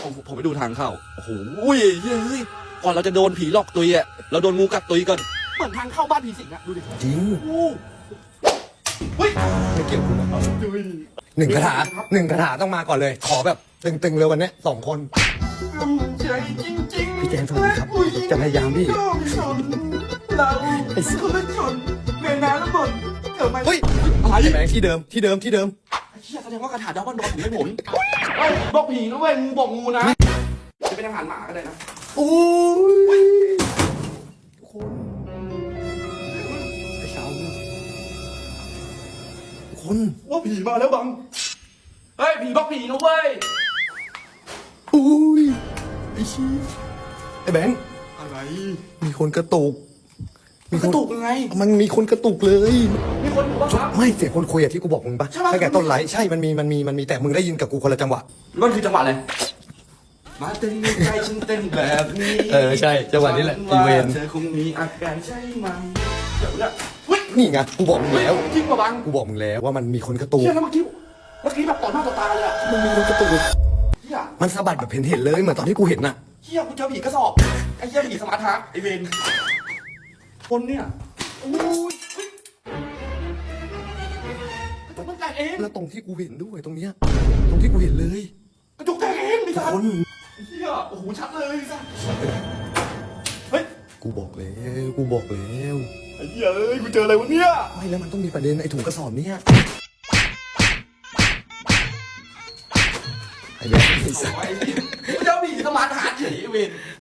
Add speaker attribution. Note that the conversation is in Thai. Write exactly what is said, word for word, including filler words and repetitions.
Speaker 1: ผมผมไปดูทางเข้าโอ้โหอุ้ยเฮ้ยก่อนเราจะโดนผีหลอกตุยอ่ะเราโดนงูกัดตุยก่อนเหมือนทางเข้าบ้านผีสิงอ่ะดูดิ
Speaker 2: จริง
Speaker 1: โอ้เฮ้ย
Speaker 2: ไม่เกี่ยวกูนะ
Speaker 1: ดูดิ
Speaker 2: หนึ่งคาถาหนึ่งคาถาต้องมาก่อนเลย ขอแบบตึงๆเลยวันนี้สองคน
Speaker 1: ใจจริงๆ
Speaker 2: พี่แจนสวัสดีครับจะพยายามพี่
Speaker 1: ชนเราคนชนเมนาแล้วบนเกิดมา
Speaker 2: เฮ้ย
Speaker 1: อะไร
Speaker 2: ไอ้แบงค์ที่เดิมที่เดิมที่เดิม
Speaker 1: เชี่ยแสดงว่าคาถาดาวบ้านดอนถึงไม่หมุนเฮ้ยบอกผีนะเว้ยงูบอกงูนะจะเป็นอาหารหมาก็ได้นะ
Speaker 2: โอ้ยทุกคนไอ้สาวทุกคน
Speaker 1: ว่าผีมาแล้วบังเฮ้ยผีบอกผีนะเว้ย
Speaker 2: โอ้ยไอ้ชี้ไอ้แบงค์
Speaker 1: อะไร
Speaker 2: มีคนกระตุก
Speaker 1: มันกระตุกยังไง
Speaker 2: มันมีคนกระตุกเลย
Speaker 1: มีคนอยู่บ้างครับ
Speaker 2: ไม่เสียงคนคุยอะที่กูบอกมึงปะ
Speaker 1: ใช่ปะ
Speaker 2: ตั้งแต่ต้นไลฟ์ใช่มันมีมันมีมันมีแต่มึงได้ยินกับกูคนละจังหวะ
Speaker 1: มันคือจังหวะอะไรมาเต้นใจฉันเต้นแบบนี้
Speaker 2: เออใช่จังหวะนี้แหละอีเวน
Speaker 1: เธอคงมีอาการใช่ไหมเดี๋ยวเนี่ยเฮ้ย
Speaker 2: นี่ไงกูบอกมึงแล้ว
Speaker 1: จริงป่ะบัง
Speaker 2: กูบอกมึงแล้วว่ามันมีคนกระตุก
Speaker 1: เชี่ยแล้วเมื่อกี้เมื่อกี้แบบต่อหน้าต่อตาเลยอะ
Speaker 2: มันมีคนกระตุก
Speaker 1: เชี่ย
Speaker 2: มันสะบัดแบบเห็นเห็นเลยเหมือนตอนที่กูเห็นน่ะ
Speaker 1: เชี่ยกูเจอผีกระสอบไอ้เชี่ยผีสมาร์ทฮาร์ทไอ้เวนคนเนี่ยโอ้ยเฮ้ยกระจกมันแตกเอง
Speaker 2: แล้วตรงที่กูเห็นด้วยตรงเนี้ยตรงที่กูเห็นเลย
Speaker 1: กระจกแตกเองไอ้
Speaker 2: ทุก
Speaker 1: สัส
Speaker 2: คน
Speaker 1: เชี่ยโอ้โหชัดเลยไอ้สัสเฮ้ย
Speaker 2: กูบอกแล้วกูบอกแล้ว
Speaker 1: ไอ้เหี้ยเอ้ยกูเจออะไรวะเนี่ย
Speaker 2: ไม่แล้วมันต้องมีประเด็นไอ้ถุงกระสอบเนี่ยไอ้แบงค์ไอ้สัส
Speaker 1: ไอ้เหี้ยกูเจอผีสมาร์ทฮาร์ทเฉยไอ้เวน